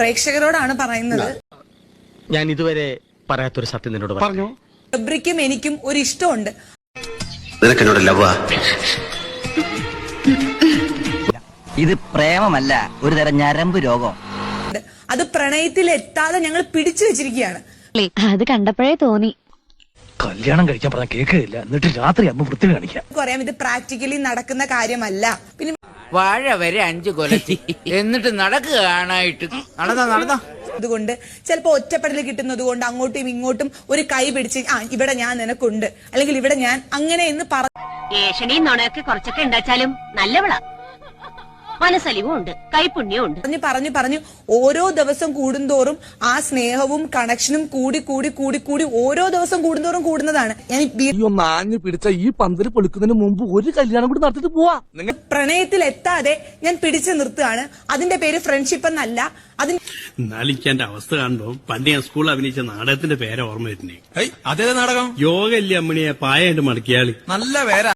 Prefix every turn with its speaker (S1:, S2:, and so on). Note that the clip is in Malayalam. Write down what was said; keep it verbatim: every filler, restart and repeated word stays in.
S1: പ്രേക്ഷകരോടാണ് പറയുന്നത്.
S2: ഞാൻ ഇതുവരെ പറയാത്തൊരു സത്യം നിന്നോട് പറഞ്ഞു.
S1: ഗബ്രിക്കും എനിക്കും ഒരു ഇഷ്ടമുണ്ട്.
S3: ഇത് പ്രേമമല്ല, ഒരു തരം ഞരമ്പ് രോഗം.
S1: അത് പ്രണയത്തിൽ എത്താതെ ഞങ്ങൾ പിടിച്ചു വെച്ചിരിക്കുകയാണ്.
S4: അത് കണ്ടപ്പോഴേ തോന്നി
S2: കല്യാണം കഴിക്കാൻ പറഞ്ഞ കേൾക്കില്ല, എന്നിട്ട് രാത്രി അമ്മ വൃത്തി കാണിക്കാം.
S1: അറിയാം, ഇത് പ്രാക്ടിക്കലി നടക്കുന്ന കാര്യമല്ല. പിന്നെ
S5: വാഴ വരെ അഞ്ചു കൊലത്തി എന്നിട്ട് നടക്കുകയാണായിട്ട് നടന്നോ നടന്നോ
S1: അതുകൊണ്ട് ചിലപ്പോ ഒറ്റപ്പെടൽ കിട്ടുന്നത് കൊണ്ട് അങ്ങോട്ടും ഇങ്ങോട്ടും ഒരു കൈ പിടിച്ച് ആ ഇവിടെ ഞാൻ നിനക്കുണ്ട് അല്ലെങ്കിൽ ഇവിടെ ഞാൻ അങ്ങനെ എന്ന്
S4: ഏഷണിയും നുണയൊക്കെ കുറച്ചൊക്കെ ഉണ്ടാച്ചാലും നല്ലവളാ, മനസ്സലിവും ഉണ്ട്, കൈപുണ്യവും ഉണ്ട്.
S1: പറഞ്ഞു പറഞ്ഞു പറഞ്ഞു ഓരോ ദിവസം കൂടുന്തോറും ആ സ്നേഹവും കണക്ഷനും കൂടി കൂടി കൂടി കൂടി ഓരോ ദിവസം കൂടുന്തോറും കൂടുന്നതാണ്. ഞാൻ
S6: പിടിച്ച ഈ പന്തല് പൊളിക്കുന്നതിന് മുമ്പ് ഒരു കല്യാണം കൂടി നടത്തിട്ട് പോവാ.
S1: പ്രണയത്തിൽ എത്താതെ ഞാൻ പിടിച്ചു നിർത്തുകയാണ്. അതിന്റെ പേര് ഫ്രണ്ട്ഷിപ്പ് എന്നല്ല. അതിന്
S7: നാലിക്കാന്റെ അവസ്ഥ കാണുമ്പോ പണ്ട് ഞാൻ സ്കൂളിൽ അഭിനയിച്ച നാടകത്തിന്റെ പേരെ ഓർമ്മ വരുന്നേ.
S6: അതേ നാടകം
S7: യോഗ ഇല്ലേ അമ്മണിയെ പായായിട്ട് മടക്കിയാളി.
S6: നല്ല പേരാ.